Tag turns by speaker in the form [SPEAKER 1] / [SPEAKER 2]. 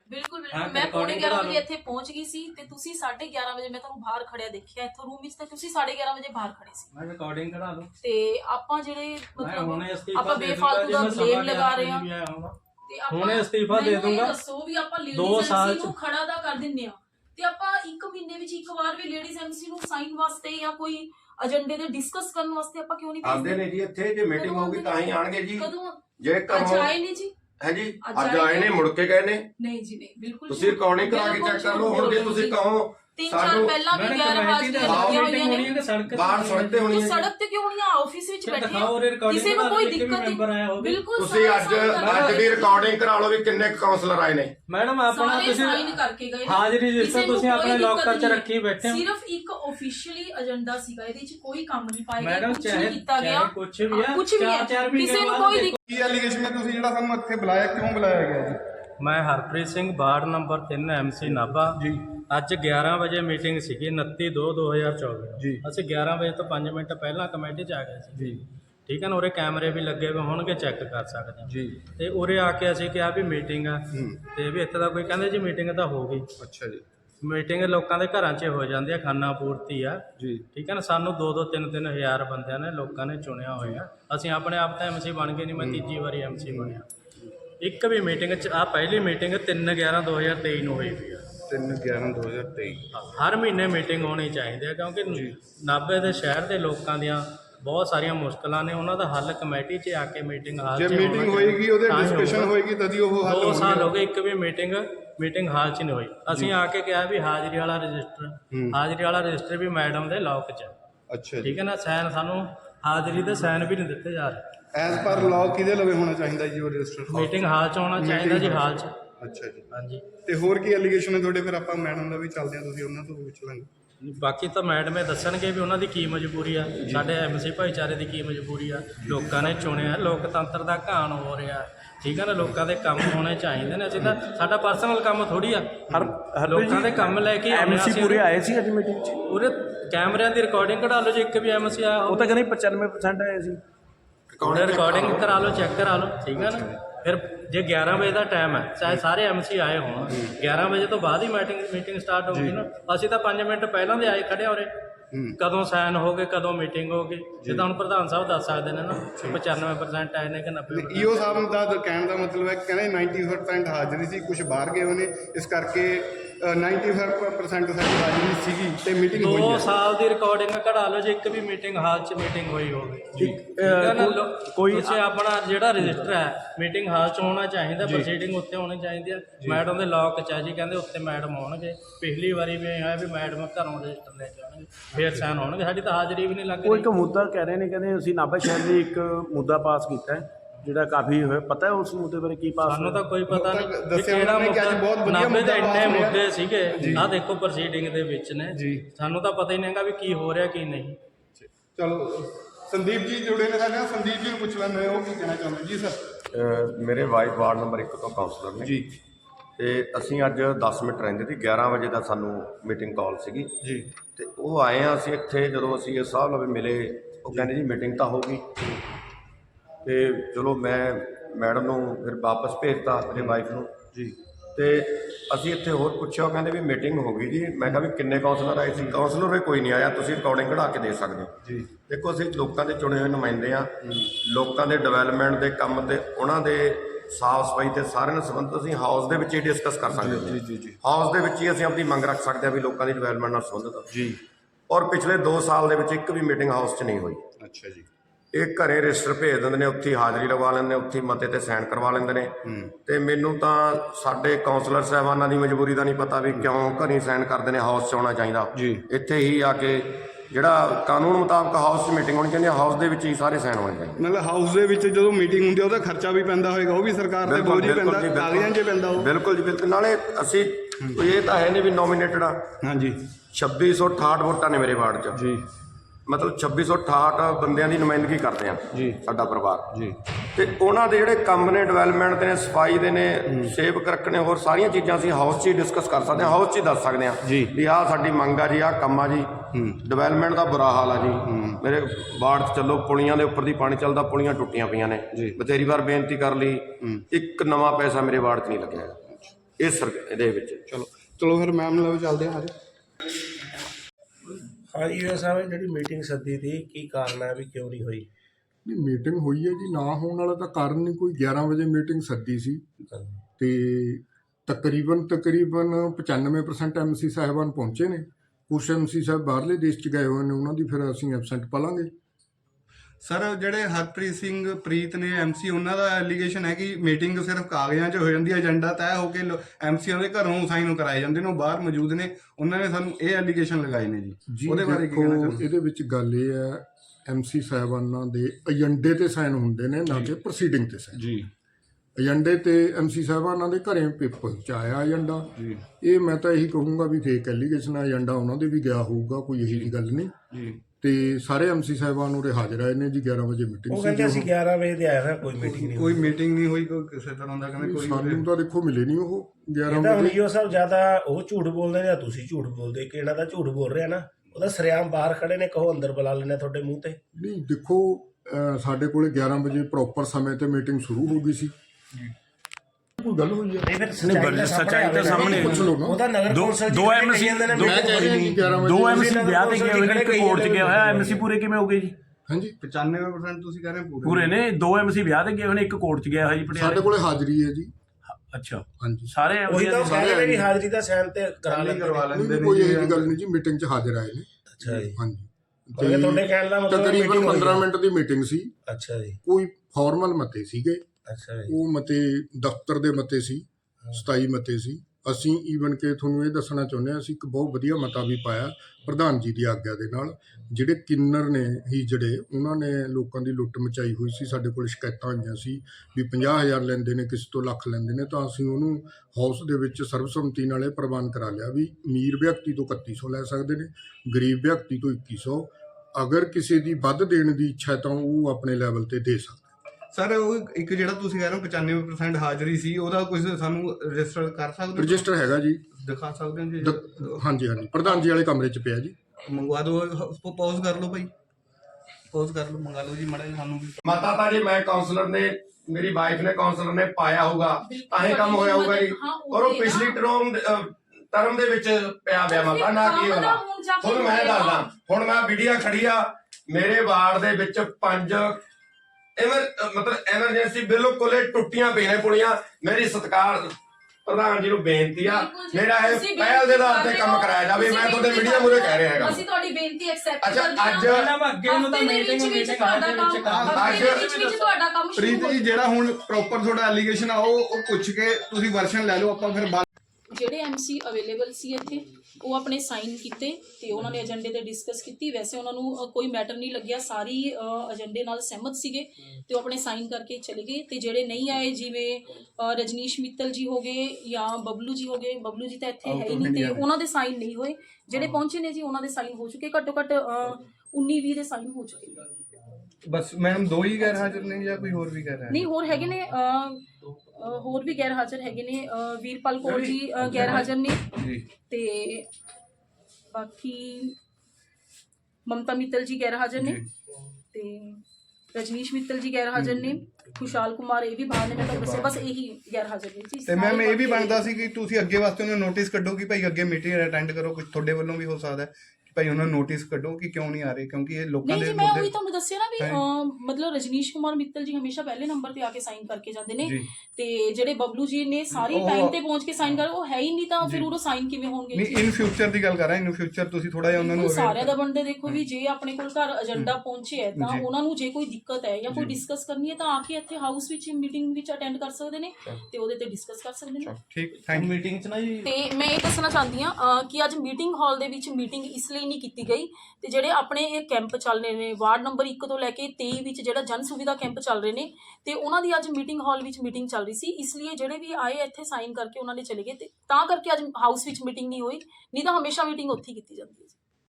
[SPEAKER 1] ਬਿਲਕੁਲ ਬਿਲकुल मैं 11:30 ਵਜੇ ਇੱਥੇ ਪਹੁੰਚ ਗਈ ਸੀ ਤੇ ਤੁਸੀਂ 11:30 ਵਜੇ ਮੈਂ ਤੁਹਾਨੂੰ ਬਾਹਰ ਖੜਿਆ ਦੇਖਿਆ ਇੱਥੋਂ ਰੂਮ ਵਿੱਚ, ਤਾਂ ਤੁਸੀਂ 11:30 ਵਜੇ ਬਾਹਰ ਖੜੇ ਸੀ।
[SPEAKER 2] ਮੈਂ ਰਿਕਾਰਡਿੰਗ ਕਢਾ ਲਓ।
[SPEAKER 1] ਤੇ ਆਪਾਂ ਜਿਹੜੇ ਮਤਲਬ ਆਪਾਂ ਬੇਫਾਲਤੂ ਦਾ ਬਲੇਮ ਲਗਾ ਰਹੇ ਹਾਂ ਤੇ ਆਪਾਂ
[SPEAKER 2] ਹੁਣੇ ਅਸਤੀਫਾ ਦੇ ਦੂੰਗਾ।
[SPEAKER 1] ਦੱਸੋ ਵੀ ਆਪਾਂ ਲੇਡੀਜ਼ ਐਮਸੀ ਨੂੰ ਖੜਾ ਦਾ ਕਰ ਦਿੰਨੇ ਆ ਤੇ ਆਪਾਂ 1 ਮਹੀਨੇ ਵਿੱਚ ਇੱਕ ਵਾਰ ਵੀ ਲੇਡੀਜ਼ ਐਮਸੀ ਨੂੰ ਸਾਈਨ ਵਾਸਤੇ ਜਾਂ ਕੋਈ ਏਜੰਡੇ ਤੇ ਡਿਸਕਸ ਕਰਨ ਵਾਸਤੇ ਆਪਾਂ ਕਿਉਂ ਨਹੀਂ
[SPEAKER 3] ਆਉਂਦੇ ਨੇ ਜੀ ਇੱਥੇ? ਜੇ ਮੀਟਿੰਗ ਹੋਊਗੀ ਤਾਂ ਹੀ ਆਣਗੇ ਜੀ।
[SPEAKER 1] ਕਦੋਂ
[SPEAKER 3] ਜੇ
[SPEAKER 1] ਅੱਜ ਆਏ ਨੇ ਜੀ?
[SPEAKER 3] ਹੈ ਜੀ, ਅੱਜ ਆਏ ਨੇ, ਮੁੜ ਕੇ ਗਏ ਨੇ?
[SPEAKER 1] ਨਹੀਂ ਜੀ ਨਹੀਂ, ਬਿਲਕੁਲ
[SPEAKER 3] ਤੁਸੀਂ ਰਿਕਾਰਡਿੰਗ ਕਰਾ ਕੇ ਚੈੱਕ ਕਰ ਲਓ। ਹੁਣ ਜੇ ਤੁਸੀਂ ਕਹੋ
[SPEAKER 1] 3-4 ਪਹਿਲਾਂ ਵੀ ਗੈਰ ਹਾਜ਼ਰੀਆਂ ਲੱਗੀਆਂ ਹੋਈਆਂ ਨੇ
[SPEAKER 3] ਬਾਹਰ ਸੜਕ ਤੇ ਹੋਣੀ ਹੈ।
[SPEAKER 1] ਸੜਕ ਤੇ ਕਿਉਂ ਨਹੀਂ ਆ? ਆਫਿਸ ਵਿੱਚ ਬੈਠੇ ਆ, ਕਿਸੇ ਨੂੰ ਕੋਈ ਦਿੱਕਤ ਨਹੀਂ। ਬਿਲਕੁਲ
[SPEAKER 3] ਤੁਸੀਂ ਅੱਜ ਦੀ ਰਿਕਾਰਡਿੰਗ ਕਰਾ ਲਓ ਵੀ ਕਿੰਨੇ ਕਾਉਂਸਲਰ ਆਏ ਨੇ।
[SPEAKER 2] ਮੈਡਮ ਆਪਣਾ ਤੁਸੀਂ
[SPEAKER 1] ਸਾਈਨ ਕਰਕੇ ਗਏ
[SPEAKER 2] ਹਾਜ਼ਰੀ ਰਜਿਸਟਰ ਤੁਸੀਂ ਆਪਣੇ ਲੋਕਰ 'ਚ ਰੱਖੀ ਬੈਠੇ ਹੋ।
[SPEAKER 1] ਸਿਰਫ ਇੱਕ ਆਫੀਸ਼ੀਅਲੀ ਏਜੰਡਾ ਸੀਗਾ, ਇਹਦੇ 'ਚ ਕੋਈ ਕੰਮ ਨਹੀਂ ਪਾਇਆ
[SPEAKER 2] ਮੈਡਮ
[SPEAKER 1] ਚਾਹੇ ਕੀਤਾ ਗਿਆ
[SPEAKER 2] ਕੁਝ ਵੀ ਆ,
[SPEAKER 1] ਕੁਝ ਵੀ ਹੈ, ਕਿਸੇ ਨੂੰ ਕੋਈ ਦਿੱਕਤ।
[SPEAKER 4] ਕੀ ਐਲੀਗੇਸ਼ਨ ਹੈ? ਤੁਸੀਂ ਜਿਹੜਾ ਸਾਨੂੰ ਇੱਥੇ ਬੁਲਾਇਆ, ਕਿਉਂ ਬੁਲਾਇਆ ਗਿਆ ਜੀ?
[SPEAKER 2] ਮੈਂ Harpreet Singh, ward number 3 MC Nabha ji. ਅੱਜ 11 ਵਜੇ ਮੀਟਿੰਗ ਸੀਗੀ 29/2/2024 ਜੀ। ਅਸੀਂ 11 ਵਜੇ ਤੋਂ 5 ਮਿੰਟ ਪਹਿਲਾਂ ਕਮੇਟੀ 'ਚ ਆ ਗਏ ਸੀ ਜੀ। ਠੀਕ ਹੈ ਨਾ, ਉਰੇ ਕੈਮਰੇ ਵੀ ਲੱਗੇ ਹੋਏ ਹੋਣਗੇ, ਚੈੱਕ ਕਰ ਸਕਦੇ ਜੀ। ਤੇ ਉਰੇ ਆ ਕੇ ਅਸੀਂ ਕਿਹਾ ਵੀ ਮੀਟਿੰਗ ਆ ਤੇ ਵੀ ਇੱਥੇ ਦਾ ਕੋਈ ਕਹਿੰਦੇ ਜੀ ਮੀਟਿੰਗ ਤਾਂ ਹੋ ਗਈ।
[SPEAKER 4] ਅੱਛਾ ਜੀ।
[SPEAKER 2] ਮੀਟਿੰਗ ਲੋਕਾਂ ਦੇ ਘਰਾਂ 'ਚ ਹੋ ਜਾਂਦੀ ਆ, ਖਾਨਾ ਪੂਰਤੀ ਆ ਜੀ। ਠੀਕ ਹੈ ਨਾ, ਸਾਨੂੰ 2-2 3-3 ਹਜ਼ਾਰ ਬੰਦਿਆਂ ਨੇ ਲੋਕਾਂ ਨੇ ਚੁਣਿਆ ਹੋਇਆ। ਅਸੀਂ ਆਪਣੇ ਆਪ ਤਾਂ MC ਬਣ ਗਏ ਨਹੀਂ, ਮੈਂ ਤੀਜੀ ਵਾਰੀ MC ਬਣਿਆ। ਇੱਕ ਵੀ ਮੀਟਿੰਗ 'ਚ ਆ ਪਹਿਲੀ ਮੀਟਿੰਗ 3/11/2023 ਨੂੰ ਹੋਈ ਵੀ ਆ।
[SPEAKER 4] 3/11/2023
[SPEAKER 2] ਹਰ ਮਹੀਨੇ ਮੀਟਿੰਗ ਹੋਣੀ ਚਾਹੀਦੀ ਹੈ ਕਿਉਂਕਿ ਨਾਭੇ ਦੇ ਸ਼ਹਿਰ ਦੇ ਲੋਕਾਂ ਦੀਆਂ ਬਹੁਤ ਸਾਰੀਆਂ ਮੁਸ਼ਕਲਾਂ ਨੇ, ਉਹਨਾਂ ਦਾ ਹੱਲ ਕਮੇਟੀ 'ਚ ਆ ਕੇ ਮੀਟਿੰਗ ਹਾਲ 'ਚ
[SPEAKER 4] ਜੇ ਮੀਟਿੰਗ ਹੋਏਗੀ, ਉਹਦੇ ਡਿਸਕਸ਼ਨ ਹੋਏਗੀ ਤਦ ਹੀ ਉਹ ਹੱਲ ਹੋਊਗਾ।
[SPEAKER 2] 2 ਸਾਲ ਹੋ ਗਏ, ਇੱਕ ਵੀ ਮੀਟਿੰਗ ਹਾਲ 'ਚ ਨਹੀਂ ਹੋਈ। ਅਸੀਂ ਆ ਕੇ ਕਿਹਾ ਵੀ ਹਾਜ਼ਰੀ ਵਾਲਾ ਰਜਿਸਟਰ ਵੀ ਮੈਡਮ ਦੇ ਲੌਕ 'ਚ।
[SPEAKER 4] ਅੱਛਾ ਜੀ।
[SPEAKER 2] ਠੀਕ ਹੈ ਨਾ, ਸਾਈਨ ਸਾਨੂੰ ਹਾਜ਼ਰੀ ਦੇ ਸਾਈਨ ਵੀ ਨਹੀਂ ਦਿੱਤੇ ਜਾ ਰਹੇ।
[SPEAKER 4] ਐਜ਼ ਪਰ ਲਾਅ ਕਿਹਦੇ ਲਵੇ ਹੋਣਾ ਚਾਹੀਦਾ ਜੀ ਉਹ ਰਜਿਸਟਰ?
[SPEAKER 2] ਮੀਟਿੰਗ ਹਾਲ 'ਚ ਹੋਣਾ ਚਾਹੀਦਾ ਜੀ, ਹਾਲ 'ਚ।
[SPEAKER 4] ਅੱਛਾ ਜੀ।
[SPEAKER 2] ਹਾਂਜੀ।
[SPEAKER 4] ਤੇ ਹੋਰ ਕੀ ਐਲੀਗੇਸ਼ਨ ਹੈ ਤੁਹਾਡੇ? ਫਿਰ ਆਪਾਂ ਮੈਡਮ ਦਾ ਵੀ ਚੱਲਦੇ ਹਾਂ, ਤੁਸੀਂ ਉਹਨਾਂ ਤੋਂ ਪੁੱਛ ਲਾਂਗੇ।
[SPEAKER 2] ਬਾਕੀ ਤਾਂ ਮੈਡਮ ਇਹ ਦੱਸਣਗੇ ਵੀ ਉਹਨਾਂ ਦੀ ਕੀ ਮਜਬੂਰੀ ਆ, ਸਾਡੇ MC ਭਾਈਚਾਰੇ ਦੀ ਕੀ ਮਜਬੂਰੀ ਆ। ਲੋਕਾਂ ਨੇ ਚੁਣਿਆ, ਲੋਕਤੰਤਰ ਦਾ ਘਾਣ ਹੋ ਰਿਹਾ। ਠੀਕ ਹੈ ਨਾ, ਲੋਕਾਂ ਦੇ ਕੰਮ ਹੋਣੇ ਚਾਹੀਦੇ ਨੇ। ਅਸੀਂ ਤਾਂ ਸਾਡਾ ਪਰਸਨਲ ਕੰਮ ਥੋੜੀ ਆ, ਲੋਕਾਂ ਦੇ ਕੰਮ ਲੈ ਕੇ
[SPEAKER 5] MC ਪੂਰੇ ਆਏ ਸੀ ਅੱਜ ਮੀਟਿੰਗ 'ਚ?
[SPEAKER 2] ਪੂਰੇ ਕੈਮਰਿਆਂ ਦੀ ਰਿਕਾਰਡਿੰਗ ਕਢਾ ਲਓ ਜੀ, ਇੱਕ ਵੀ MC ਆਇਆ
[SPEAKER 5] ਉਹ ਤਾਂ ਕਹਿੰਦੇ 95% ਆਏ ਸੀ।
[SPEAKER 2] ਰਿਕਾਰਡਿੰਗ ਕਰਾ ਲਓ, ਚੈੱਕ ਕਰਾ ਲਓ। ਠੀਕ ਹੈ ਨਾ, ਫਿਰ ਜੇ 11 ਵਜੇ ਦਾ ਟਾਈਮ ਹੈ, ਚਾਹੇ ਸਾਰੇ MC ਆਏ ਹੋਣ, 11 ਵਜੇ ਤੋਂ ਬਾਅਦ ਹੀ ਮੀਟਿੰਗ ਸਟਾਰਟ ਹੋਊਗੀ ਨਾ। ਅਸੀਂ ਤਾਂ 5 ਮਿੰਟ ਪਹਿਲਾਂ ਦੇ ਆਏ ਖੜੇ ਹੋਰੇ, ਕਦੋਂ ਸਾਈਨ ਹੋ ਗਏ, ਕਦੋਂ ਮੀਟਿੰਗ ਹੋ ਗਈ। ਇਹ ਤਾਂ ਹੁਣ ਪ੍ਰਧਾਨ ਸਾਹਿਬ ਦੱਸ ਸਕਦੇ ਨੇ ਨਾ 95% ਆਏ ਨੇ ਕਿ 90%।
[SPEAKER 4] ਈਓ ਸਾਹਿਬ ਦਾ ਕਹਿਣ ਦਾ ਮਤਲਬ ਹੈ, ਕਹਿੰਦੇ 90% ਹਾਜ਼ਰੀ ਸੀ, ਕੁਝ ਬਾਹਰ ਗਏ ਹੋਏ ਨੇ, ਇਸ ਕਰਕੇ 95% ਸਾਡੀ ਹਾਜ਼ਰੀ ਸੀਗੀ ਤੇ ਮੀਟਿੰਗ ਹੋਈ ਹੈ।
[SPEAKER 2] 2 ਸਾਲ ਦੀ ਰਿਕਾਰਡਿੰਗ ਕਢਾ ਲਓ ਜੇ ਇੱਕ ਵੀ ਮੀਟਿੰਗ ਹਾਲ 'ਚ ਮੀਟਿੰਗ ਹੋਈ ਹੋਵੇ। ਕੋਈ ਤੁਸੀਂ ਆਪਣਾ ਜਿਹੜਾ ਰਜਿਸਟਰ ਹੈ ਮੀਟਿੰਗ ਹਾਲ 'ਚ ਹੋਣਾ ਚਾਹੀਦਾ, ਪ੍ਰੋਸੀਡਿੰਗ ਉੱਤੇ ਹੋਣੀ ਚਾਹੀਦੀ ਹੈ। ਮੈਡਮ ਦੇ ਲੌਕ 'ਚ ਹੈ ਜੀ, ਕਹਿੰਦੇ ਉੱਤੇ ਮੈਡਮ ਹੋਣਗੇ। ਪਿਛਲੀ ਵਾਰੀ ਵੀ ਇਹ ਹੋਇਆ ਵੀ ਮੈਡਮ ਘਰੋਂ ਰਜਿਸਟਰ ਲੈ ਕੇ ਆਉਣਗੇ, ਫਿਰ ਸਾਈਨ ਹੋਣਗੇ। ਸਾਡੀ ਤਾਂ ਹਾਜ਼ਰੀ ਵੀ ਨਹੀਂ ਲੱਗ ਰਹੀ।
[SPEAKER 5] ਉਹ ਇੱਕ ਮੁੱਦਾ ਕਹਿ ਰਹੇ ਨੇ, ਕਹਿੰਦੇ ਅਸੀਂ ਨਾਭਾ ਸ਼ਹਿਰ ਲਈ ਇੱਕ ਮੁੱਦਾ ਪਾਸ ਕੀਤਾ ਹੈ ਜਿਹੜਾ ਕਾਫੀ ਹੋਇਆ। ਪਤਾ ਹੈ ਉਸ ਮੁੱਦੇ ਬਾਰੇ ਕੀ ਪਾਸ?
[SPEAKER 2] ਸਾਨੂੰ ਤਾਂ ਕੋਈ ਪਤਾ ਨਹੀਂ ਵੀ ਕਿਹੜਾ ਮੁੱਦਾ। ਨਾਭੇ ਦੇ ਇੰਨੇ ਮੁੱਦੇ ਸੀਗੇ, ਆਹ ਦੇਖੋ ਪ੍ਰੋਸੀਡਿੰਗ ਦੇ ਵਿੱਚ ਨੇ। ਸਾਨੂੰ ਤਾਂ ਪਤਾ ਹੀ ਨਹੀਂ ਹੈਗਾ ਵੀ ਕੀ ਹੋ ਰਿਹਾ ਕੀ ਨਹੀਂ।
[SPEAKER 4] ਚਲੋ ਸੰਦੀਪ ਜੀ ਜੁੜੇ ਨੇ ਸਾਡੇ ਨਾਲ, ਸੰਦੀਪ ਜੀ ਨੂੰ ਪੁੱਛ ਲੈਂਦੇ, ਉਹ ਕੀ ਕਹਿਣਾ ਚਾਹੁੰਦੇ ਜੀ? ਸਰ,
[SPEAKER 3] ਮੇਰੇ ਵਾਈਫ ਵਾਰਡ ਨੰਬਰ 1 ਤੋਂ ਕਾਉਂਸਲਰ ਨੇ ਜੀ। ਤੇ ਅਸੀਂ ਅੱਜ 10 ਮਿੰਟ ਰਹਿੰਦੇ ਸੀ, 11 ਵਜੇ ਦਾ ਸਾਨੂੰ ਮੀਟਿੰਗ ਕਾਲ ਸੀਗੀ ਜੀ। ਤੇ ਉਹ ਆਏ ਆ ਅਸੀਂ ਇੱਥੇ, ਜਦੋਂ ਅਸੀਂ ਇਹ ਸਾਹਿਬ ਨਾਲ ਮਿਲੇ, ਉਹ ਕਹਿੰਦੇ ਜੀ ਮੀਟਿੰਗ ਤਾਂ ਹੋਊਗੀ। ਤੇ ਚਲੋ ਮੈਂ ਮੈਡਮ ਨੂੰ ਫਿਰ ਵਾਪਸ ਭੇਜਤਾ, ਮੇਰੇ ਵਾਈਫ ਨੂੰ ਜੀ। ਤੇ ਅਸੀਂ ਇੱਥੇ ਹੋਰ ਪੁੱਛਿਆ, ਉਹ ਕਹਿੰਦੇ ਵੀ ਮੀਟਿੰਗ ਹੋ ਗਈ ਜੀ। ਮੈਂ ਕਿਹਾ ਵੀ ਕਿੰਨੇ ਕਾਉਂਸਲਰ ਆਏ ਸੀ? ਕਾਉਂਸਲਰ ਵੀ ਕੋਈ ਨਹੀਂ ਆਇਆ, ਤੁਸੀਂ ਰਿਕਾਰਡਿੰਗ ਕਢਾ ਕੇ ਦੇ ਸਕਦੇ ਹੋ ਜੀ। ਦੇਖੋ ਅਸੀਂ ਲੋਕਾਂ ਦੇ ਚੁਣੇ ਹੋਏ ਨੁਮਾਇੰਦੇ ਆ, ਲੋਕਾਂ ਦੇ ਡਿਵੈਲਪਮੈਂਟ ਦੇ ਕੰਮ ਤੇ ਉਹਨਾਂ ਦੇ ਸਾਫ ਸਫਾਈ ਤੇ ਸਾਰਿਆਂ ਨਾਲ ਸੰਬੰਧਿਤ ਅਸੀਂ ਹਾਊਸ ਦੇ ਵਿੱਚ ਹੀ ਡਿਸਕਸ ਕਰ ਸਕਦੇ ਹਾਂ ਜੀ। ਹਾਊਸ ਦੇ ਵਿੱਚ ਹੀ ਅਸੀਂ ਆਪਣੀ ਮੰਗ ਰੱਖ ਸਕਦੇ ਹਾਂ ਵੀ ਲੋਕਾਂ ਦੀ ਡਿਵੈਲਪਮੈਂਟ ਨਾਲ ਸੰਬੰਧਿਤ ਜੀ। ਔਰ ਪਿਛਲੇ 2 ਸਾਲ ਦੇ ਵਿੱਚ ਇੱਕ ਵੀ ਮੀਟਿੰਗ ਹਾਊਸ 'ਚ ਨਹੀਂ ਹੋਈ।
[SPEAKER 4] ਅੱਛਾ ਜੀ।
[SPEAKER 3] ਇਹ ਘਰੇ ਰਜਿਸਟਰ ਭੇਜ ਦਿੰਦੇ ਨੇ, ਉੱਥੇ ਹਾਜ਼ਰੀ ਲਗਵਾ ਲੈਂਦੇ ਨੇ, ਉੱਥੇ ਮਤੇ ਤੇ ਸਾਈਨ ਕਰਵਾ ਲੈਂਦੇ ਨੇ। ਤੇ ਮੈਨੂੰ ਤਾਂ ਸਾਡੇ ਕਾਉਂਸਲਰ ਸਾਹਿਬਾਨਾਂ ਦੀ ਮਜਬੂਰੀ ਦਾ ਨਹੀਂ ਪਤਾ ਵੀ ਕਿਉਂ ਘਰੀ ਸਾਈਨ ਕਰਦੇ ਨੇ। ਹਾਊਸ 'ਚ ਆਉਣਾ ਚਾਹੀਦਾ, ਇੱਥੇ ਹੀ ਆ ਕੇ ਜਿਹੜਾ ਕਾਨੂੰਨ ਮੁਤਾਬਕ ਹਾਊਸ 'ਚ ਮੀਟਿੰਗ ਹੋਣੀ ਚਾਹੀਦੀ, ਹਾਊਸ ਦੇ ਵਿੱਚ ਹੀ ਸਾਰੇ ਸਾਈਨ ਹੋਣੇ ਚਾਹੀਦੇ।
[SPEAKER 4] ਮਤਲਬ ਹਾਊਸ ਦੇ ਵਿੱਚ ਜਦੋਂ ਮੀਟਿੰਗ ਹੁੰਦੀ ਹੈ ਉਹਦਾ ਖਰਚਾ ਵੀ ਪੈਂਦਾ ਹੋਏਗਾ, ਉਹ ਵੀ ਸਰਕਾਰ ਦੇ ਬੋਝ ਹੀ ਪੈਂਦਾ, ਕਾਗਜ਼ਾਂ 'ਚ ਪੈਂਦਾ ਉਹ।
[SPEAKER 3] ਬਿਲਕੁਲ ਜੀ, ਬਿਲਕੁਲ। ਨਾਲੇ ਅਸੀਂ ਇਹ ਤਾਂ ਹੈ ਨਹੀਂ ਵੀ ਨੋਮੀਨੇਟਡ ਆ।
[SPEAKER 4] ਹਾਂਜੀ।
[SPEAKER 3] 2668 ਵੋਟਾਂ ਨੇ ਮੇਰੇ ਵਾਰਡ 'ਚ ਜੀ। ਮਤਲਬ 2668 ਬੰਦਿਆਂ ਦੀ ਨੁਮਾਇੰਦਗੀ ਕਰਦੇ ਆ ਜੀ, ਸਾਡਾ ਪਰਿਵਾਰ ਜੀ। ਤੇ ਉਹਨਾਂ ਦੇ ਜਿਹੜੇ ਕੰਮ ਨੇ, ਡਿਵੈਲਪਮੈਂਟ ਦੇ ਨੇ, ਸਫਾਈ ਦੇ ਨੇ, ਸੇਵਕ ਰੱਖਣੇ, ਹੋਰ ਸਾਰੀਆਂ ਚੀਜ਼ਾਂ ਅਸੀਂ ਹਾਊਸ 'ਚ ਹੀ ਡਿਸਕਸ ਕਰ ਸਕਦੇ ਹਾਂ, ਹਾਊਸ 'ਚ ਹੀ ਦੱਸ ਸਕਦੇ ਹਾਂ ਵੀ ਆਹ ਸਾਡੀ ਮੰਗ ਆ ਜੀ, ਆਹ ਕੰਮ ਆ ਜੀ। ਡਿਵੈਲਪਮੈਂਟ ਦਾ ਬੁਰਾ ਹਾਲ ਆ ਜੀ ਮੇਰੇ ਵਾਰਡ 'ਚ। ਚੱਲੋ ਪੁਲੀਆਂ ਦੇ ਉੱਪਰ ਦੀ ਪਾਣੀ ਚੱਲਦਾ, ਪੁਲੀਆਂ ਟੁੱਟੀਆਂ ਪਈਆਂ ਨੇ, ਬਥੇਰੀ ਵਾਰ ਬੇਨਤੀ ਕਰ ਲਈ, ਇੱਕ ਨਵਾਂ ਪੈਸਾ ਮੇਰੇ ਵਾਰਡ 'ਚ ਨਹੀਂ ਲੱਗਿਆ ਹੈਗਾ। ਇਹਦੇ ਵਿੱਚ।
[SPEAKER 4] ਚਲੋ ਫਿਰ ਮੈਮ ਨਾਲ ਚੱਲਦੇ ਹਾਂ ਅੱਜ।
[SPEAKER 5] ਹਾਂ ਜੀ ਇਹ ਸਾਹਿਬ ਜਿਹੜੀ ਮੀਟਿੰਗ ਸੱਦੀ ਸੀ ਕੀ ਕਾਰਨ ਹੈ ਵੀ ਕਿਉਂ ਨਹੀਂ ਹੋਈ?
[SPEAKER 6] ਨਹੀਂ ਮੀਟਿੰਗ ਹੋਈ ਹੈ ਜੀ, ਨਾ ਹੋਣ ਵਾਲਾ ਤਾਂ ਕਾਰਨ ਨਹੀਂ ਕੋਈ। 11 ਵਜੇ ਮੀਟਿੰਗ ਸੱਦੀ ਸੀ ਤੇ ਤਕਰੀਬਨ 95% ਐਮਸੀ ਸਾਹਿਬਾਨ ਪਹੁੰਚੇ ਨੇ। ਕੁਛ ਐਮਸੀ ਸਾਹਿਬ ਬਾਹਰਲੇ ਦੇਸ਼ 'ਚ ਗਏ ਹੋਏ ਨੇ, ਉਹਨਾਂ ਦੀ ਫਿਰ ਅਸੀਂ ਐਬਸੈਂਟ ਪਾਲਾਂਗੇ।
[SPEAKER 4] ਸਰ ਜਿਹੜੇ ਹਰਪ੍ਰੀਤ ਸਿੰਘ ਪ੍ਰੀਤ ਨੇ ਐਮਸੀ, ਉਹਨਾਂ ਦਾ ਐਲੀਗੇਸ਼ਨ ਹੈ ਕਿ ਮੀਟਿੰਗ ਸਿਰਫ ਕਾਗਜ਼ਾਂ 'ਚ ਹੋ ਜਾਂਦੀ ਹੈ, ਏਜੰਡਾ ਤੈਅ ਹੋ ਕੇ ਐਮਸੀਆਂ ਦੇ ਘਰੋਂ ਸਾਈਨ ਕਰਾਏ ਜਾਂਦੇ ਨੇ, ਉਹ ਬਾਹਰ ਮੌਜੂਦ ਨੇ। ਉਹਨਾਂ ਨੇ ਸਾਨੂੰ ਇਹ ਐਲੀਗੇਸ਼ਨ ਲਗਾਏ ਨੇ ਜੀ, ਉਹਦੇ ਬਾਰੇ ਕੀ ਕਹਿਣਾ ਚਾਹੁੰਦੇ?
[SPEAKER 6] ਇਹਦੇ ਵਿੱਚ ਗੱਲ ਇਹ ਹੈ, ਐਮਸੀ ਸਾਹਿਬਾਨਾਂ ਦੇ ਏਜੰਡੇ ਤੇ ਸਾਈਨ ਹੁੰਦੇ ਨੇ, ਨਾ ਕਿ ਪ੍ਰੋਸੀਡਿੰਗ ਤੇ ਸਾਈਨ
[SPEAKER 4] ਜੀ।
[SPEAKER 6] ਏਜੰਡੇ ਤੇ ਐਮਸੀ ਸਾਹਿਬਾਨਾਂ ਦੇ ਘਰੇ ਪੇਪਰ 'ਚ ਆਇਆ ਏਜੰਡਾ। ਇਹ ਮੈਂ ਤਾਂ ਇਹੀ ਕਹੂੰਗਾ ਵੀ ਫੇਕ ਐਲੀਗੇਸ਼ਨ ਆ, ਏਜੰਡਾ ਉਹਨਾਂ ਦੇ ਵੀ ਗਿਆ ਹੋਊਗਾ, ਕੋਈ ਇਹੀ ਜਿਹੀ ਗੱਲ ਨਹੀਂ
[SPEAKER 4] ਜੀ।
[SPEAKER 6] ਤੇ ਸਾਰੇ ਐਮਸੀ ਸਾਹਿਬਾਨ ਉਰੇ ਹਾਜ਼ਰ ਆਏ ਨੇ ਜੀ। 11 ਵਜੇ ਮੀਟਿੰਗ
[SPEAKER 5] ਉਹ ਕਹਿੰਦੇ ਅਸੀਂ 11 ਵਜੇ ਦੇ ਆਏ ਹਾਂ, ਕੋਈ ਮੀਟਿੰਗ ਨਹੀਂ
[SPEAKER 4] ਕੋਈ ਮੀਟਿੰਗ ਨਹੀਂ ਹੋਈ, ਕੋਈ ਕਿਸੇ ਤਰ੍ਹਾਂ ਦਾ ਕਹਿੰਦੇ ਕੋਈ।
[SPEAKER 6] ਸਾਨੂੰ ਤਾਂ ਦੇਖੋ ਮਿਲੇ ਨਹੀਂ ਉਹ 11
[SPEAKER 5] ਇਹਦਾ ਹੁਣ
[SPEAKER 6] ਵਜੇ।
[SPEAKER 5] ਈਓ ਸਾਹਿਬ ਜ਼ਿਆਦਾ ਉਹ ਝੂਠ ਬੋਲਦੇ ਨੇ ਜਾਂ ਤੁਸੀਂ ਝੂਠ ਬੋਲਦੇ? ਕਿ ਇਹਨਾਂ ਦਾ ਝੂਠ ਬੋਲ ਰਿਹਾ ਨਾ, ਉਹਦਾ ਸਰਿਆਮ ਬਾਹਰ ਖੜੇ ਨੇ, ਕਹੋ ਅੰਦਰ ਬੁਲਾ ਲੈਣਾ ਤੁਹਾਡੇ ਮੂੰਹ ਤੇ।
[SPEAKER 6] ਨਹੀਂ ਦੇਖੋ ਸਾਡੇ ਕੋਲੇ 11 ਵਜੇ ਪ੍ਰੋਪਰ ਸਮੇਂ ਤੇ ਮੀਟਿੰਗ ਸ਼ੁਰੂ ਹੋ ਗਈ ਸੀ। ਕੋਈ ਗੱਲ ਹੋਈ ਹੈ?
[SPEAKER 5] ਨਹੀਂ ਫਿਰ ਸੱਚਾਈ ਤਾਂ ਸਾਹਮਣੇ
[SPEAKER 6] ਪੁੱਛ ਲਓ ਨਾ।
[SPEAKER 5] ਉਹਦਾ ਨਗਰ ਕੌਂਸਲ
[SPEAKER 7] ਦੋ ਐਮਸੀ
[SPEAKER 6] ਮੈਂ ਕਹਿ ਰਿਹਾ ਜੀ 11 ਵਜੇ।
[SPEAKER 7] ਦੋ ਐਮਸੀ ਵਿਆਹ ਤੇ ਗਏ ਹੋਏ ਨੇ, ਇੱਕ ਕੋਰਟ 'ਚ ਗਿਆ ਹੋਇਆ। ਐਮਸੀ ਪੂਰੇ ਕਿਵੇਂ ਹੋ ਗਏ ਜੀ?
[SPEAKER 6] ਹਾਂਜੀ
[SPEAKER 4] 95% ਤੁਸੀਂ ਕਹਿ ਰਹੇ ਹੋ
[SPEAKER 7] ਪੂਰੇ ਨੇ। ਦੋ ਐਮਸੀ ਵਿਆਹ ਤੇ ਗਏ ਹੋਏ ਨੇ, ਇੱਕ ਕੋਰਟ 'ਚ ਗਿਆ ਹੋਇਆ ਜੀ
[SPEAKER 6] ਸਾਡੇ
[SPEAKER 7] ਪਟਿਆਲੇ।
[SPEAKER 6] ਕੋਲੇ ਹਾਜ਼ਰੀ ਹੈ ਜੀ।
[SPEAKER 7] ਅੱਛਾ
[SPEAKER 6] ਹਾਂਜੀ
[SPEAKER 7] ਸਾਰੇ
[SPEAKER 5] ਉਹੀ ਤਾਂ ਕਹਿੰਦੇ ਨੇ ਵੀ ਹਾਜ਼ਰੀ ਦਾ ਸਾਈਨ ਤੇ ਕਰਾ ਲੈਂਦੇ
[SPEAKER 4] ਕਰਵਾ
[SPEAKER 5] ਨੇ।
[SPEAKER 4] ਲੈਂਦੇ ਨੇ
[SPEAKER 6] ਕੋਈ ਇਹੋ ਜਿਹੀ ਗੱਲ ਨਹੀਂ ਜੀ, ਮੀਟਿੰਗ 'ਚ ਹਾਜ਼ਰ ਆਏ ਨੇ।
[SPEAKER 5] ਅੱਛਾ ਜੀ।
[SPEAKER 6] ਹਾਂਜੀ
[SPEAKER 5] ਤੇ ਤੁਹਾਡੇ ਕਹਿਣ ਦਾ ਮਤਲਬ
[SPEAKER 6] ਤਕਰੀਬਨ
[SPEAKER 5] meeting ਹੋਈ
[SPEAKER 6] 15
[SPEAKER 5] ਹੈ।
[SPEAKER 6] ਮਿੰਟ ਦੀ ਮੀਟਿੰਗ ਸੀ।
[SPEAKER 5] ਅੱਛਾ ਜੀ।
[SPEAKER 6] ਕੋਈ ਫਾਰਮਲ ਮਤੇ ਸੀਗੇ,
[SPEAKER 5] ਅੱਛਾ ਜੀ।
[SPEAKER 6] ਉਹ ਮਤੇ ਦਫ਼ਤਰ ਦੇ ਮਤੇ ਸੀ, 27 ਮਤੇ ਸੀ। ਅਸੀਂ ਈਵਨ ਕਿ ਤੁਹਾਨੂੰ ਇਹ ਦੱਸਣਾ ਚਾਹੁੰਦੇ ਹਾਂ, ਅਸੀਂ ਇੱਕ ਬਹੁਤ ਵਧੀਆ ਮਤਾ ਵੀ ਪਾਇਆ ਪ੍ਰਧਾਨ ਜੀ ਦੀ ਆਗਿਆ ਦੇ ਨਾਲ। ਜਿਹੜੇ ਕਿੰਨਰ ਨੇ ਹੀ ਜਿਹੜੇ ਉਹਨਾਂ ਨੇ ਲੋਕਾਂ ਦੀ ਲੁੱਟ ਮਚਾਈ ਹੋਈ ਸੀ, ਸਾਡੇ ਕੋਲ ਸ਼ਿਕਾਇਤਾਂ ਆਈਆਂ ਸੀ ਵੀ 50,000 ਲੈਂਦੇ ਨੇ, ਕਿਸੇ ਤੋਂ ਲੱਖ ਲੈਂਦੇ ਨੇ, ਤਾਂ ਅਸੀਂ ਉਹਨੂੰ ਹਾਊਸ ਦੇ ਵਿੱਚ ਸਰਬਸੰਮਤੀ ਨਾਲ ਇਹ ਪ੍ਰਵਾਨ ਕਰਾ ਲਿਆ ਵੀ ਅਮੀਰ ਵਿਅਕਤੀ ਤੋਂ 3100 ਲੈ ਸਕਦੇ ਨੇ, ਗਰੀਬ ਵਿਅਕਤੀ ਤੋਂ 2100। ਅਗਰ ਕਿਸੇ ਦੀ ਵੱਧ ਦੇਣ ਦੀ ਇੱਛਾ ਹੈ ਤਾਂ ਉਹ ਆਪਣੇ ਲੈਵਲ ਤੇ ਦੇ ਸਕਦਾ।
[SPEAKER 4] ਸਰ ਉਹ ਇੱਕ ਜਿਹੜਾ ਤੁਸੀਂ ਕਹਿ ਰਹੇ ਹੋ 95% ਹਾਜ਼ਰੀ ਸੀ, ਉਹਦਾ ਕੁਝ ਸਾਨੂੰ ਰਜਿਸਟਰ ਕਰ ਸਕਦੇ ਹੋ?
[SPEAKER 6] ਰਜਿਸਟਰ ਹੈਗਾ ਜੀ।
[SPEAKER 4] ਦਿਖਾ ਸਕਦੇ ਹੋ ਜੀ?
[SPEAKER 6] ਹਾਂਜੀ ਹਾਂਜੀ ਪ੍ਰਧਾਨ ਜੀ ਵਾਲੇ ਕਮਰੇ 'ਚ ਪਿਆ ਜੀ।
[SPEAKER 4] ਮੰਗਵਾ ਦਿਓ, ਪੌਜ਼ ਕਰ ਲਓ ਭਾਈ, ਪੌਜ਼ ਕਰ ਲਓ, ਮੰਗਾ ਲਓ ਜੀ ਮਾੜਾ ਜਿਹਾ ਸਾਨੂੰ ਵੀ।
[SPEAKER 3] ਮਤਾ ਤਾਂ ਜੀ ਮੈਂ ਕਾਉਂਸਲਰ ਨੇ, ਮੇਰੀ ਵਾਈਫ ਨੇ, ਕਾਉਂਸਲਰ ਨੇ ਪਾਇਆ ਹੋਊਗਾ ਤਾਂ ਹੀ ਕੰਮ ਹੋਇਆ ਹੋਊਗਾ ਜੀ। ਔਰ ਉਹ ਪਿਛਲੀ ਟਰਮ ਦੇ ਵਿੱਚ ਪਿਆ ਹੋਇਆ ਮਤਾ, ਨਾ ਕੀ ਹੋਣਾ। ਹੁਣ ਮੈਂ ਦੱਸਦਾ, ਹੁਣ ਮੈਂ ਵੀਡੀਓ ਖੜੀ ਆ, ਮੇਰੇ ਵਾਰਡ ਦੇ ਵਿੱਚ 5 ਮਤਲਬ ਐਮਰਜੈਂਸੀ ਬਿਲਕੁਲ ਟੁੱਟੀਆਂ ਪਈਆਂ ਪੁਲੀਆਂ। ਮੇਰੀ ਸਤਿਕਾਰ ਪ੍ਰਧਾਨ ਜੀ ਨੂੰ ਬੇਨਤੀ ਆ, ਮੇਰਾ ਇਹ ਪਹਿਲ ਦੇ ਆਧਾਰ ਤੇ ਕੰਮ ਕਰਾਇਆ ਜਾਵੇ। ਮੈਂ ਤੁਹਾਡੇ ਮੀਡੀਆ ਮੂਹਰੇ ਕਹਿ ਰਿਹਾ ਹੈਗਾ।
[SPEAKER 1] ਅਸੀਂ ਤੁਹਾਡੀ ਬੇਨਤੀ ਐਕਸੈਪਟ
[SPEAKER 3] ਅੱਛਾ
[SPEAKER 1] ਕਰਦੇ ਹਾਂ।
[SPEAKER 3] ਅੱਜ
[SPEAKER 2] ਅੱਗੇ ਨੂੰ ਤਾਂ ਮੀਟਿੰਗ
[SPEAKER 1] ਤੁਹਾਡਾ ਕੰਮ
[SPEAKER 4] ਪ੍ਰੀਤ ਜੀ ਜਿਹੜਾ ਹੁਣ ਪ੍ਰੋਪਰ ਤੁਹਾਡਾ ਐਲੀਗੇਸ਼ਨ ਆ ਉਹ ਪੁੱਛ ਕੇ ਤੁਸੀਂ ਵਰਸ਼ਨ ਲੈ ਲਓ, ਆਪਾਂ ਫਿਰ ਬਾਅਦ।
[SPEAKER 1] ਜਿਹੜੇ ਐਮਸੀ ਅਵੇਲੇਬਲ ਸੀ ਇੱਥੇ, ਉਹ ਆਪਣੇ ਸਾਈਨ ਕੀਤੇ ਤੇ ਉਹਨਾਂ ਨੇ ਏਜੰਡੇ ਤੇ ਡਿਸਕਸ ਕੀਤੀ। ਵੈਸੇ ਉਹਨਾਂ ਨੂੰ ਕੋਈ ਮੈਟਰ ਨਹੀਂ ਲੱਗਿਆ, ਸਾਰੀ ਏਜੰਡੇ ਨਾਲ ਸਹਿਮਤ ਸੀਗੇ ਤੇ ਉਹ ਆਪਣੇ ਸਾਈਨ ਕਰਕੇ ਚਲੇ ਗਏ। ਤੇ ਜਿਹੜੇ ਨਹੀਂ ਆਏ, ਜਿਵੇਂ ਰਜਨੀਸ਼ ਮਿੱਤਲ ਜੀ ਹੋ ਗਏ ਜਾਂ ਬਬਲੂ ਜੀ ਹੋ ਗਏ, ਬਬਲੂ ਜੀ ਤਾਂ ਇੱਥੇ ਹੈ ਹੀ ਨਹੀਂ ਤੇ ਉਹਨਾਂ ਦੇ ਸਾਈਨ ਨਹੀਂ ਹੋਏ। ਜਿਹੜੇ ਪਹੁੰਚੇ ਨੇ ਜੀ ਉਹਨਾਂ ਦੇ ਸਾਈਨ ਹੋ ਚੁੱਕੇ, ਘੱਟੋ ਘੱਟ 19-20 ਦੇ ਸਾਈਨ ਹੋ ਚੁੱਕੇ।
[SPEAKER 4] ਬਸ ਮੈਡਮ ਦੋ ਹੀ ਗੈਰ ਹਾਜ਼ਰ ਨੇ ਜਾਂ ਕੋਈ ਹੋਰ ਵੀ ਗੈਰ ਹੈ?
[SPEAKER 1] ਨਹੀਂ, ਹੋਰ ਹੈਗੇ ਨੇ, ਹੋਰ ਵੀ ਗੈਰ ਹਾਜ਼ਰ ਹੈਗੇ ਨੇ। ਵੀਰਪਾਲ ਕੌਰ ਜੀ ਗੈਰ ਹਾਜ਼ਰ ਨੇ
[SPEAKER 4] ਜੀ,
[SPEAKER 1] ਤੇ ਬਾਕੀ ਮਮਤਾ ਮਿੱਤਲ ਜੀ ਗੈਰ ਹਾਜ਼ਰ ਨੇ ਤੇ ਰਜਨੀਸ਼ ਮਿੱਤਲ ਜੀ ਗੈਰ ਹਾਜ਼ਰ ਨੇ, ਖੁਸ਼ਹਾਲ ਕੁਮਾਰ ਇਹ ਵੀ ਬਾਹਰ ਨੇ। ਮੈਂ ਤੁਹਾਨੂੰ ਦੱਸਿਆ ਬਸ ਇਹੀ ਗੈਰ ਹਾਜ਼ਰ ਨੇ ਜੀ।
[SPEAKER 4] ਤੇ ਮੈਮ ਇਹ ਵੀ ਬਣਦਾ ਸੀ ਕਿ ਤੁਸੀਂ ਅੱਗੇ ਵਾਸਤੇ ਉਹਨੂੰ ਨੋਟਿਸ ਕੱਢੋ ਕਿ ਭਾਈ ਅੱਗੇ ਮੀਟਿੰਗ ਅਟੈਂਡ ਕਰੋ। ਕੁਝ ਤੁਹਾਡੇ ਵੱਲੋਂ ਵੀ ਹੋ ਸਕਦਾ ਹੈ ਕਿ ਭਾਈ ਉਹਨਾਂ ਨੂੰ ਨੋਟਿਸ ਕੱਢੋ ਕਿ ਕਿਉਂ ਨਹੀਂ ਆ ਰਹੇ, ਕਿਉਂਕਿ ਇਹ ਲੋਕਾਂ
[SPEAKER 1] ਨਹੀਂ
[SPEAKER 4] ਦੇ
[SPEAKER 1] ਜੀ, ਮੈਂ ਉਹੀ ਤੁਹਾਨੂੰ ਦੱਸਿਆ ਨਾ ਵੀ ਮਤਲਬ ਰਜਨੀਸ਼ ਕੁਮਾਰ ਮਿੱਤਲ ਜੀ ਹਮੇਸ਼ਾ ਪਹਿਲੇ ਨੰਬਰ ਤੇ ਆ ਕੇ ਸਾਈਨ ਕਰਕੇ ਜਾਂਦੇ ਨੇ ਤੇ ਜਿਹੜੇ ਬਬਲੂ ਜੀ ਨੇ ਸਾਰੀ ਟਾਈਮ ਤੇ ਪਹੁੰਚ ਕੇ ਸਾਈਨ ਕਰ, ਉਹ ਹੈ ਹੀ ਨਹੀਂ ਤਾਂ ਫਿਰ ਉਹ ਸਾਈਨ ਕਿਵੇਂ ਹੋਣਗੇ?
[SPEAKER 4] ਨਹੀਂ, ਇਨ ਫਿਊਚਰ ਦੀ ਗੱਲ ਕਰ ਰਿਹਾ, ਇਨ ਫਿਊਚਰ ਤੁਸੀਂ ਥੋੜਾ ਜਿਹਾ ਉਹਨਾਂ ਨੂੰ
[SPEAKER 1] ਸਾਰਿਆਂ ਦਾ ਬਣਦੇ। ਦੇਖੋ ਵੀ ਜੇ ਆਪਣੇ ਕੋਲ ਘਰ ਏਜੰਡਾ ਪਹੁੰਚੇ ਹੈ ਤਾਂ ਉਹਨਾਂ ਨੂੰ ਜੇ ਕੋਈ ਦਿੱਕਤ ਹੈ ਜਾਂ ਕੋਈ ਡਿਸਕਸ ਕਰਨੀ ਹੈ ਤਾਂ ਆ ਕੇ ਇੱਥੇ ਹਾਊਸ ਵਿੱਚ ਮੀਟਿੰਗ ਵਿੱਚ ਅਟੈਂਡ ਕਰ ਸਕਦੇ ਨੇ ਤੇ ਉਹਦੇ ਤੇ ਡਿਸਕਸ ਕਰ ਸਕਦੇ ਨੇ।
[SPEAKER 4] ਠੀਕ, ਥੈਂਕ ਯੂ।
[SPEAKER 2] ਮੀਟਿੰਗ 'ਚ ਨਾ ਜੀ
[SPEAKER 1] ਤੇ ਮੈਂ ਇਹ ਦੱਸਣਾ ਚਾਹੁੰਦੀ ਹਾਂ ਕਿ ਅੱਜ ਮੀਟਿੰਗ ਹਾਲ ਦੇ ਵਿੱਚ ਮੀਟਿੰਗ ਇਸ ਲਈ ਨਹੀਂ ਕੀਤੀ ਗਈ ਤੇ ਜਿਹੜੇ ਆਪਣੇ ਇਹ ਕੈਂਪ ਚੱਲ ਰਹੇ ਨੇ ਵਾਰਡ ਨੰਬਰ 1 ਤੋਂ ਲੈ ਕੇ 23 ਵਿੱਚ ਜਿਹੜਾ ਜਨ ਸੁਵਿਧਾ ਕੈਂਪ ਚੱਲ ਰਹੇ ਨੇ ਤੇ ਉਹਨਾਂ ਦੀ ਅੱਜ ਮੀਟਿੰਗ ਹਾਲ ਵਿੱਚ ਮੀਟਿੰਗ ਚੱਲ ਰਹੀ ਸੀ। ਇਸ ਲਈ ਜਿਹੜੇ ਵੀ ਆਏ ਇੱਥੇ ਸਾਈਨ ਕਰਕੇ ਉਹਨਾਂ ਨੇ ਚਲੇ ਗਏ ਤੇ ਤਾਂ ਕਰਕੇ ਅੱਜ ਹਾਊਸ ਵਿੱਚ ਮੀਟਿੰਗ ਨਹੀਂ ਹੋਈ, ਨਹੀਂ ਤਾਂ ਹਮੇਸ਼ਾ ਮੀਟਿੰਗ ਉੱਥੇ ਹੀ ਕੀਤੀ ਜਾਂਦੀ ਹੈ।